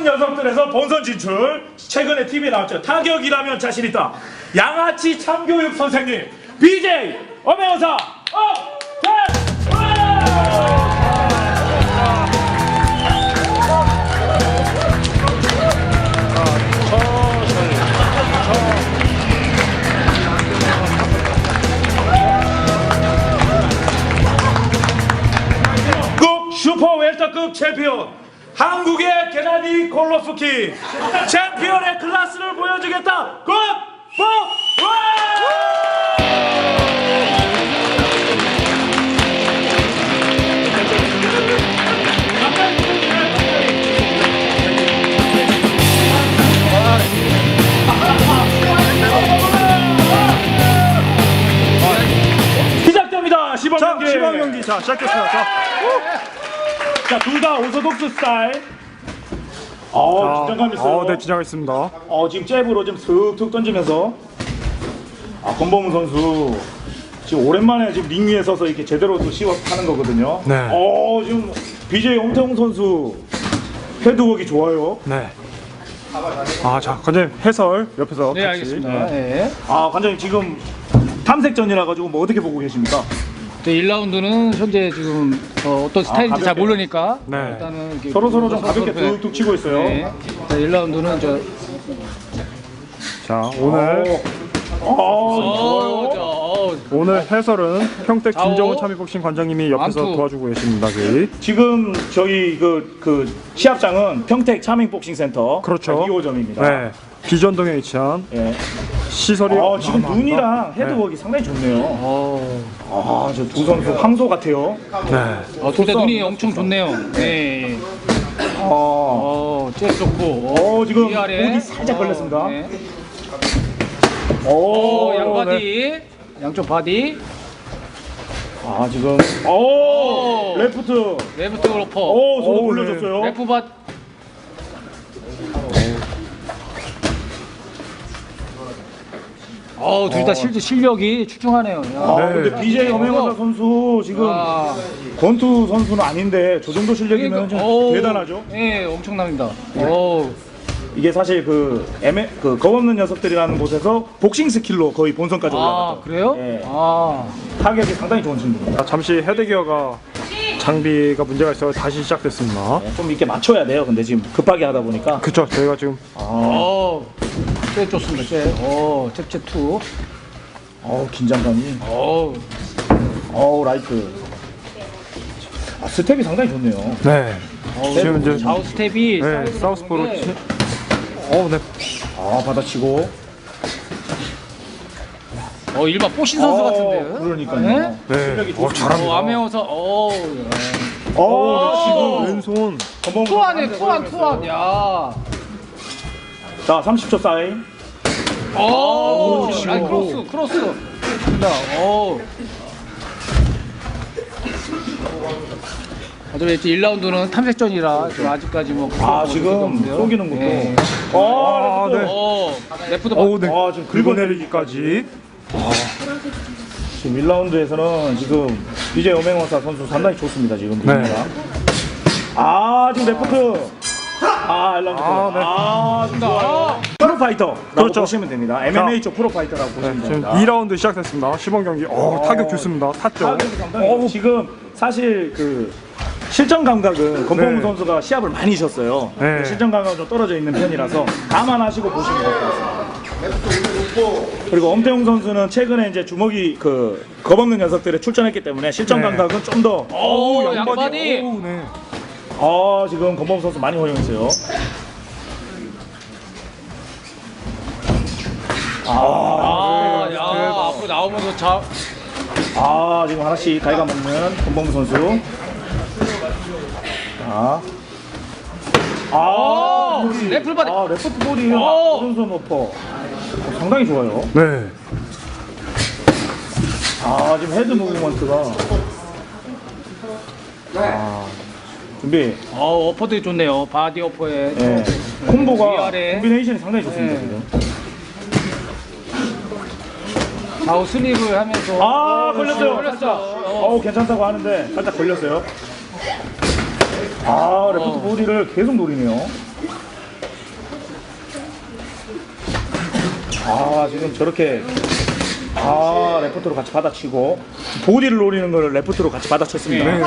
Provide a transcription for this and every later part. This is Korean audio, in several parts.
녀석들에서 본선 진출. 최근에 TV에 나왔죠. 타격이라면 자신 있다. 양아치 참교육 선생님 BJ 엄혜원사 슈퍼 웰터급 챔피언 한국의 게나디 골로프키 챔피언의 클래스를 보여주겠다. 굿! 포! 시작됩니다. 시범 경기. 시범 경기. 자, 시작됐어요. 자, 둘 다 오소독스 스타일. 긴장감 있어요. 네, 긴장 있습니다. 지금 잽으로 좀 슥슥 던지면서. 권범우 선수 지금 오랜만에 지금 링 위에 서서 이렇게 제대로 또 시합하는 거거든요. 네. 지금 BJ 엄태웅 선수 헤드웍이 좋아요. 네. 자, 관장님 해설 옆에서 네, 같이. 알겠습니다. 네. 관장님 지금 탐색전이라 가지고 뭐 어떻게 보고 계십니까? 네, 1라운드는 현재 지금 어떤 스타일인지 잘 가볍게. 모르니까 네. 일단은 이렇게 서로 좀 가볍게 툭툭 치고 있어요. 네. 자, 1라운드는 자, 오늘 좋아요. 오늘 해설은 평택 좌우. 김정우 참이복싱 관장님이 옆에서 완투. 도와주고 계십니다. 저희. 지금 저희 그 시합장은 평택 차밍복싱센터 그렇죠. 2호점입니다. 네. 비전동에 위치한 예. 시설이 지금 어마어마합니다. 눈이랑 헤드웍이 상당히 좋네요. 저 두 선수 황소 같아요. 네. 둘 다 눈이 엄청 좋네요. 네. 잽 좋고. 지금 위아래. 보디 살짝 걸렸습니다. 네. 네. 양바디. 양쪽 바디. 지금 레프트. 레프트 로퍼. 손 네. 올려줬어요. 레프 바. 둘 다 실력이 출중하네요. 야. 근데 BJ 엄혜원사 선수 지금 권투 선수는 아닌데 저 정도 실력이면 좀 대단하죠. 네, 엄청납니다. 이게 사실 그 겁없는 녀석들이라는 곳에서 복싱 스킬로 거의 본선까지 올라갔죠. 그래요? 예. 타격이 상당히 좋은 친구입니다. 잠시 헤드기어가 장비가 문제가 있어서 다시 시작됐습니다. 좀 이렇게 맞춰야 돼요. 근데 지금 급하게 하다 보니까. 그쵸, 저희가 지금 잽 좋습니다. 잽 2. 긴장감이. 라이트. 스텝이 상당히 좋네요. 네. 지금 이제 좌우 스텝이 사우스포로 네. 네. 받아치고. 일반 뽀신 선수 같은데요? 그러니까요. 네. 실력이 좋습니다. 잘합니다. 아메오서 지금 왼손. 투안에 투안. 야. 자, 30초 사인. 크로스. 자, 어차피 1라운드는 탐색전이라 아직까지 뭐 지금 쏘기는 것도. 네. 레프트 네. 지금 긁어내리기까지. 지금 1라운드에서는 지금 BJ 엄혜원사 선수 상당히 좋습니다. 지금 네. 분위기가. 지금 레프트. 1라운드. 지금 좋아요. 프로파이터라고 그렇죠. 보시면 됩니다. MMA 쪽 프로파이터라고 보시면 지금 됩니다. 2라운드 시작됐습니다. 시범 경기. 타격 좋습니다. 탔죠. 타격이 상당히 지금 사실 실전 감각은 권범우 네. 선수가 시합을 많이 쉬었어요. 네. 실전 감각은 좀 떨어져 있는 편이라서 감안하시고 보시면 될 것 같습니다. 그리고 엄태웅 선수는 최근에 이제 주먹이 겁없는 녀석들에 출전했기 때문에 실전 네. 감각은 좀 더. 양바디. 네. 지금 권범우 선수 많이 허용했어요. 앞으로 나오면서 지금 하나씩 갉아먹는 권범우 선수. 레프트 바디. 레프트 볼이 오른손 오퍼. 상당히 좋아요. 네. 지금 헤드 무브먼트가. 준비. 어퍼도 좋네요. 바디 어퍼에. 네. 콤보가 위아래. 콤비네이션이 상당히 좋습니다. 네. 지금. 좌우 슬립을 하면서. 걸렸어요. 걸렸어. 괜찮다고 하는데 살짝 걸렸어요. 레프트 보디를 계속 노리네요. 아, 지금 저렇게 레프트로 같이 받아치고 보디를 노리는 걸 레프트로 같이 받아쳤습니다. 네.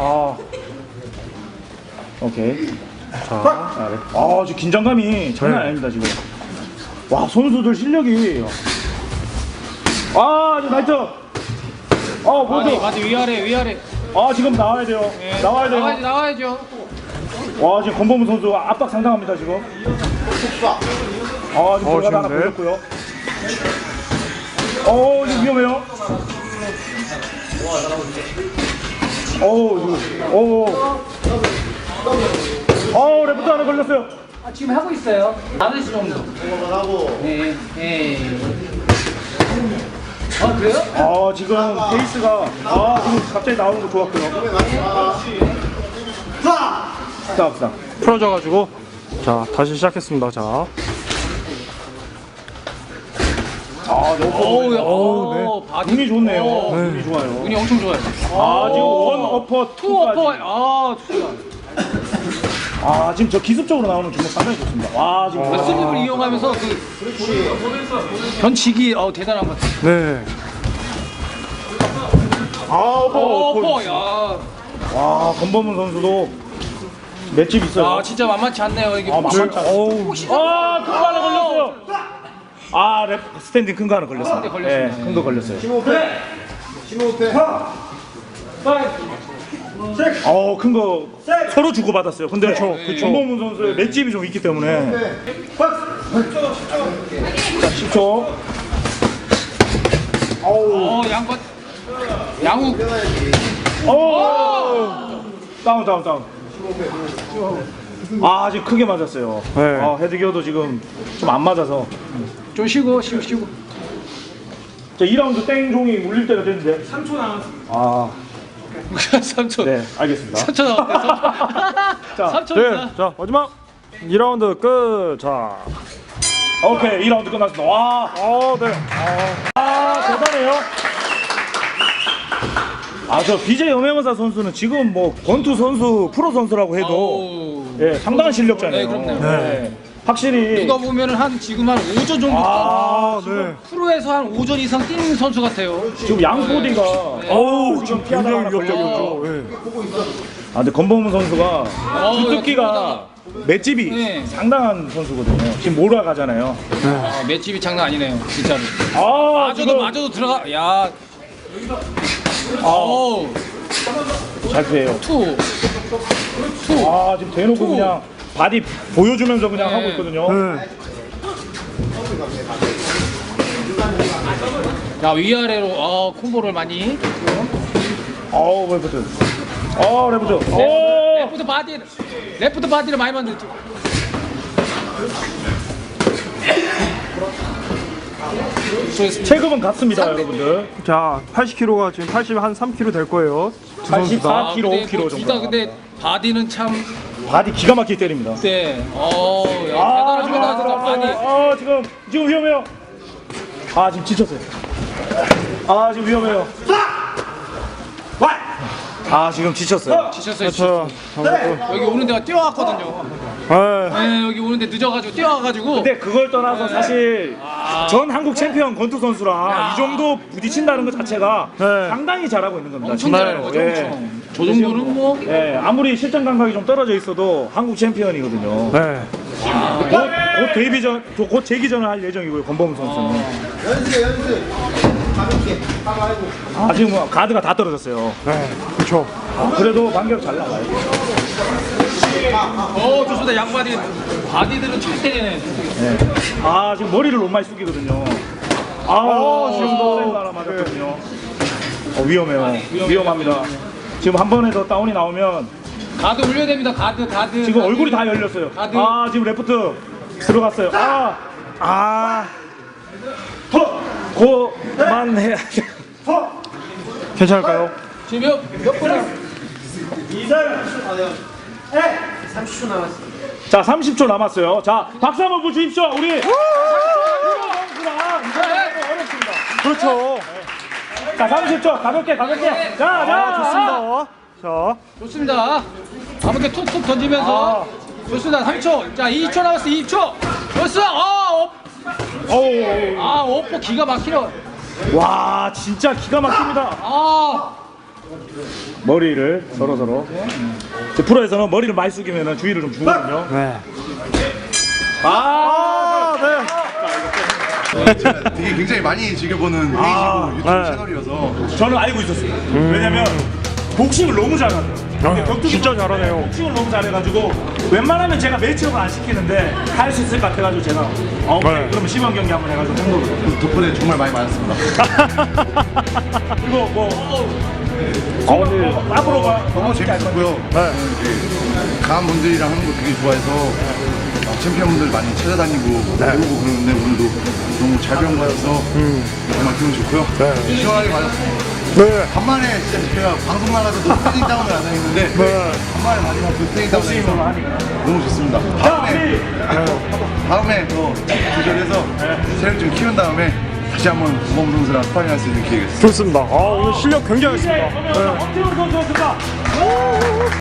오케이. 지금 긴장감이 장난 아닙니다 지금. 와, 선수들 실력이. 지금 나이트. 보드. 바디 위아래. 지금 나와야 돼요. 나와야 돼요. 나와야죠. 와, 지금 권범우 선수 압박 상당합니다 지금. 지금 들어가다 하나 좋은데? 걸렸고요. 지금 위험해요. 레프트 하나 걸렸어요. 지금 하고 있어요. 5시 정도. 네. 그래요? 지금 페이스가 지금 갑자기 나오는 거 좋았고요. 스탑. 풀어져가지고 자 다시 시작했습니다. 자. 바디. 눈이 좋네요. 눈이 좋아요. 눈이 엄청 좋아요. 지금 원 어퍼 투 어퍼. 지금 저 기습적으로 나오는 주먹 상당히 좋습니다. 지금 슬립을 이용하면서 변치기 대단한 것 같아요. 네. 어퍼. 야. 권범은 선수도 맷집 있어요. 진짜 만만치 않네요. 이게 만만치 않아요. 큰 거 하나 걸렸어요. 스탠딩 큰 거 하나 걸렸습니다. 걸렸습니다. 큰 거 걸렸어요. 큰 거 서로 주고받았어요. 근데 권범은 선수의 맷집이 좀 있기 때문에. 자, 10초. 양욱. 다운. 지금 크게 맞았어요. 네. 헤드기어도 지금 좀 안 맞아서. 좀 쉬고. 자, 2라운드 땡 종이 울릴 때가 됐는데. 3초 남았어. 3초. 네, 알겠습니다. 3초 남았네. 3초. 네. 자 마지막 2라운드 끝. 자. 오케이, 2라운드 끝났습니다. 네. 대단해요. 저 BJ 염혜원사 선수는 지금 뭐 권투 선수, 프로 선수라고 해도 상당한 실력자네요. 네, 그럼요. 네. 확실히 누가 보면은 지금 한 5전 정도 네. 프로에서 한 5전 이상 뛰는 선수 같아요. 지금 양보디가 지금 굉장히 위협적이었죠. 네. 근데 권범우 선수가 주특기가 맷집이 네. 상당한 선수거든요. 지금 몰아가잖아요. 맷집이 장난 아니네요, 진짜로. 지금 맞아도 들어가. 야. 잘 피해요. 투. 지금 대놓고 그냥 바디 보여주면서 그냥 하고 있거든요. 네. 자, 위아래로 콤보를 많이. 레프트. 레프트 바디를 많이 만들죠. 체급은 같습니다, 여러분들. 자 80kg가 지금 83kg 될 거예요. 두 선수 다. 84kg, 5kg 정도. 근데 바디는 참. 바디 기가 막히게 때립니다. 네. 대단합니다, 진짜 바디. 지금 위험해요. 지금 지쳤어요. 지금 위험해요. 지금 지쳤어요. 지쳤어요. 여기 오는 데가 뛰어왔거든요. 네, 여기 오는데 늦어가지고 뛰어와가지고. 근데 그걸 떠나서 사실 전 한국 챔피언 권투 선수랑 이 정도 부딪힌다는 것 자체가 상당히 잘하고 있는 겁니다. 엄청 잘하는 거죠. 엄청. 저 정도는 뭐. 아무리 실전 감각이 좀 떨어져 있어도 한국 챔피언이거든요. 네. 곧 데뷔전, 곧 재기전을 할 예정이고요. 권범우 선수는. 연습. 가볍게. 지금 가드가 다 떨어졌어요. 네. 그렇죠. 그래도 반격 잘 나가요. 좋습니다. 양바디. 바디들은 잘 때리네. 지금 머리를 너무 많이 숙이거든요. 지금도 센 바람 맞았거든요. 위험해요. 위험합니다. 지금 한 번에 더 다운이 나오면 가드 올려야 됩니다. 가드. 지금 얼굴이 다 열렸어요. 가드. 지금 레프트 들어갔어요. 그만해. 괜찮을까요? 지금 몇 분을. 30초 남았습니다. 자, 30초 남았어요. 자, 박수 한번 보주십시오. 우리. 그렇죠. 자, 30초 가볍게. 자. 좋습니다. 가볍게 툭툭 던지면서. 좋습니다. 3초. 자, 2초 남았어. 2초. 좋습니다. 어우. 아 오퍼 기가 막히네. 와 진짜 기가 막힙니다. 아 머리를 서로 프로에서는 머리를 많이 숙이면 주의를 좀 주거든요. 네. 되게 굉장히 많이 즐겨보는 페이지고 유튜브 네. 채널이어서 저는 알고 있었어요. 왜냐면 복싱을 너무 잘하죠. 진짜 잘하네요. 복싱을 너무 잘해가지고 웬만하면 제가 매치업을 안 시키는데 할 수 있을 것 같아가지고 제가 네. 그러면 시범 경기 한번 해가지고 한 거거든요. 덕분에 정말 많이 맞았습니다. 그리고 뭐 앞으로 너무 재밌었고요. 네. 강한 분들이랑 하는 거 되게 좋아해서 챔피언분들 많이 찾아다니고 배우고 그러는데 오늘도 너무 잘 배운 것 같아서 정말 기분 좋고요. 시원하게 맞았습니다. 네. 간만에 진짜 제가 방송 나가서도 스테이지 다운을 안 했는데 네. 간만에 마지막 그 스테이지 다운을 해서 복싱으로 하니까. 너무 좋습니다. 다음에 더 조절해서 체력 좀 키운 다음에 다시 한번 고범 선수랑 스파링할 수 있는 기회가 있습니다. 좋습니다. 아, 오늘 실력 굉장했습니다. 그러면 엄태웅 선수였습니다.